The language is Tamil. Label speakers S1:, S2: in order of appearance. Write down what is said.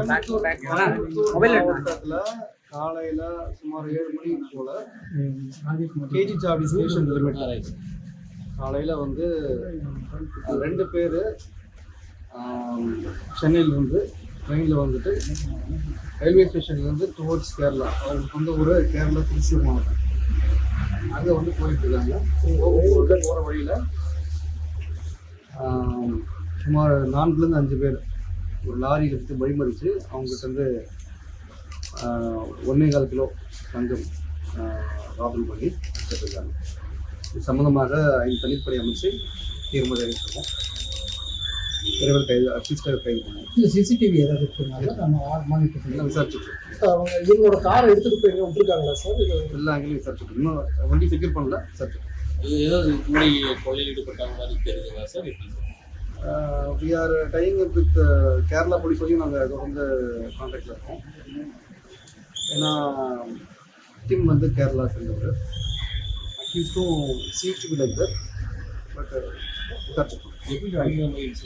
S1: மாவட்டத்தில் காலையில் சுமார் 7 மணிக்கு போல் கேஜி சாவடி ஸ்டேஷன் லிமிட் காலையில் வந்து 2 பேர் சென்னையிலேருந்து ட்ரெயினில் வந்துட்டு ரயில்வே ஸ்டேஷன்லேருந்து டுவோர்ட்ஸ் கேரளா, அவங்களுக்கு வந்து ஒரு கேரளா திருச்சூர் மாவட்டம் அங்கே வந்து போயிட்டுருக்காங்க. போகிற வழியில் சுமார் 4லேருந்து 5 பேர் ஒரு லாரி எடுத்து வழிமறித்து அவங்ககிட்ட வந்து 1.25 கிலோ தங்கம் ராபரி பண்ணி வச்சுருக்காங்க. இது சம்மந்தமாக 5 தனிப்படை அமைச்சு தீர்மானம் அறிவிச்சிருக்கோம். விரைவில் கைது அட்லீஸ்டாக கைது பண்ணுவோம்.
S2: இல்லை சிசிடிவி ஏதாவது இருக்குனால நம்ம மானிட்டர்
S1: விசாரிச்சுட்டு
S2: அவங்க இவங்களோட காரை எடுத்துகிட்டு போய் எங்கே விட்டுருக்காங்களா சார்? இது
S1: எல்லா அங்கேயும் விசாரிச்சுட்டு இன்னும் வண்டி செக்யூர் பண்ணல. விசாரிச்சுட்டு
S3: ஏதாவது முன்னாடி கொள்ளையில் ஈடுபட்டாங்க மாதிரி தெரியுதுங்களா sir?
S1: We are tying up with Kerala போலீஸையும் நாங்கள் தொடர்ந்து கான்டாக்டில் இருக்கோம். ஏன்னா டீம் வந்து கேரளா சேர்ந்தவர் அட்லீஸ்ட்டும் சீஃப் to be like that. But விசாரிச்சுட்டோம்.
S3: எப்படி